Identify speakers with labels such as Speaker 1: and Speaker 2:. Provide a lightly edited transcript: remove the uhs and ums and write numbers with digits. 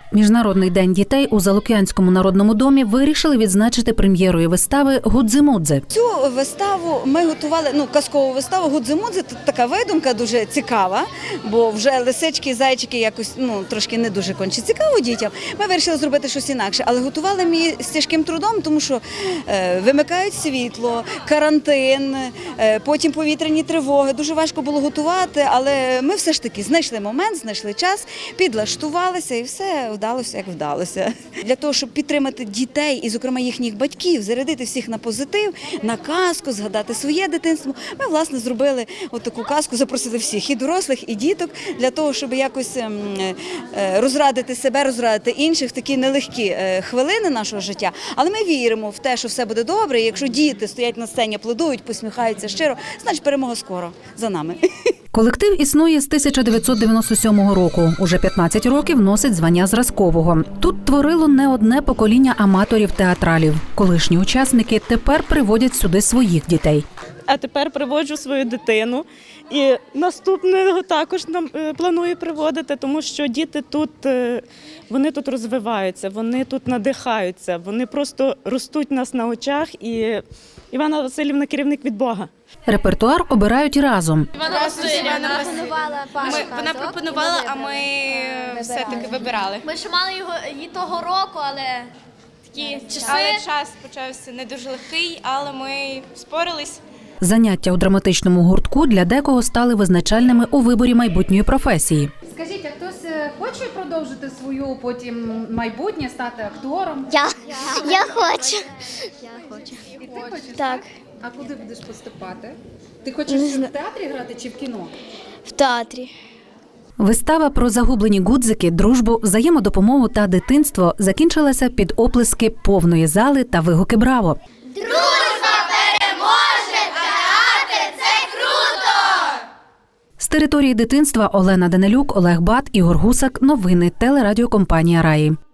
Speaker 1: Міжнародний день дітей у Залук'янському народному домі вирішили відзначити прем'єрою вистави «Гудзимудзи».
Speaker 2: Цю виставу ми готували, казкову виставу «Гудзимудзи». Тут така видумка дуже цікава, бо вже лисички і зайчики якось трошки не дуже конче цікаво дітям. Ми вирішили зробити щось інакше, але готували ми її з тяжким трудом, тому що вимикають світло, карантин, потім повітряні тривоги. Дуже важко було готувати, але ми все ж таки знайшли момент, знайшли час, підлаштувалися і все вдалося, як вдалося. Для того, щоб підтримати дітей і, зокрема, їхніх батьків, зарядити всіх на позитив, на казку, згадати своє дитинство, ми, власне, зробили таку казку, запросили всіх, і дорослих, і діток, для того, щоб якось розрадити себе, розрадити інших в такі нелегкі хвилини нашого життя. Але ми віримо в те, що все буде добре, і якщо діти стоять на сцені, аплодують, посміхаються щиро, значить перемога скоро за нами.
Speaker 1: Колектив існує з 1997 року. Уже 15 років носить звання зразкового. Тут творило не одне покоління аматорів-театралів. Колишні учасники тепер приводять сюди своїх дітей.
Speaker 3: А тепер приводжу свою дитину. І наступного також планую приводити, тому що діти тут, вони тут розвиваються, вони тут надихаються, вони просто ростуть у нас на очах. І Івана Василівна – керівник від Бога.
Speaker 1: Репертуар обирають разом.
Speaker 4: Вона пропонувала, а ми все-таки вибирали.
Speaker 5: Ми ж мали її того року, але такі часи.
Speaker 4: Але час почався не дуже легкий, але ми спорились.
Speaker 1: Заняття у драматичному гуртку для декого стали визначальними у виборі майбутньої професії.
Speaker 6: Скажіть, а хтось хоче продовжити свою потім майбутнє, стати актором?
Speaker 5: Я хочу.
Speaker 6: І ти хочеш?
Speaker 5: Так.
Speaker 6: А куди будеш поступати? Ти хочеш в театрі грати чи в кіно?
Speaker 5: В театрі.
Speaker 1: Вистава про загублені гудзики, дружбу, взаємодопомогу та дитинство закінчилася під оплески повної зали та вигуки «Браво!».
Speaker 5: Дружба переможе! Театр – це круто!
Speaker 1: З території дитинства Олена Данилюк, Олег Бат, Ігор Гусак. Новини телерадіокомпанія «Раї».